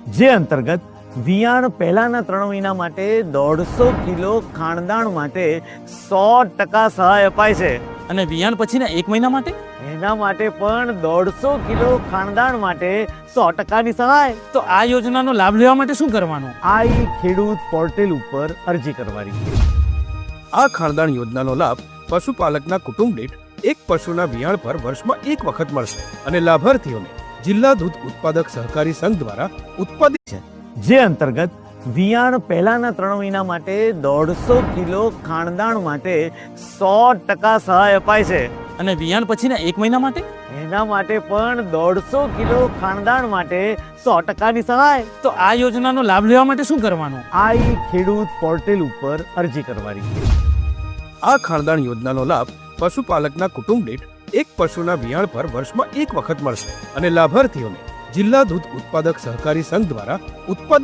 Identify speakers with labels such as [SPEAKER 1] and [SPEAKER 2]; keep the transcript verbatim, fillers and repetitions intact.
[SPEAKER 1] જે અંતર્ગત વિયાણ પહેલાના ત્રણ મહિના માટે દોઢસો કિલો ખાણદાણ માટે સો ટકા સહાય અપાય છે
[SPEAKER 2] અને વિયાણ પછીના એક મહિના માટે
[SPEAKER 1] એના માટે પણ દોઢસો કિલો ખાણદાણ માટે સો ટકાની સહાય.
[SPEAKER 2] તો આ યોજનાનો લાભ લેવા માટે શું કરવાનું?
[SPEAKER 1] આ ઈ ખેડૂત પોર્ટલ ઉપર અરજી કરવાની.
[SPEAKER 3] આ ખાણદાણ યોજનાનો લાભ પશુપાલકના કુટુંબ દીઠ એક પશુના વિયાણ પર વર્ષમાં એક વખત મળશે અને લાભાર્થીઓને જિલ્લા દૂધ ઉત્પાદક સહકારી સંઘ દ્વારા ઉત્પાદિત છે.
[SPEAKER 1] જે અંતર્ગત વિયાણ પહેલાના ત્રણ મહિના માટે દોઢસો કિલો ખાણદાણ માટે સો ટકા સહાય અપાય છે
[SPEAKER 2] અને વિયાણ પછીના એક મહિના માટે
[SPEAKER 1] એના માટે પણ દોઢસો કિલો ખાણદાણ માટે સો ટકાની સહાય.
[SPEAKER 2] તો આ યોજનાનો લાભ લેવા માટે શું કરવાનું?
[SPEAKER 1] આ ઈ ખેડૂત પોર્ટલ ઉપર અરજી કરવાની.
[SPEAKER 3] આ ખાણદાણ યોજનાનો લાભ પશુપાલકના કુટુંબ દીઠ એક પશુના વિયાણ પર વર્ષમાં એક વખત મળશે અને લાભાર્થીઓને જિલ્લા દૂધ ઉત્પાદક સહકારી સંઘ દ્વારા ઉત્પાદિત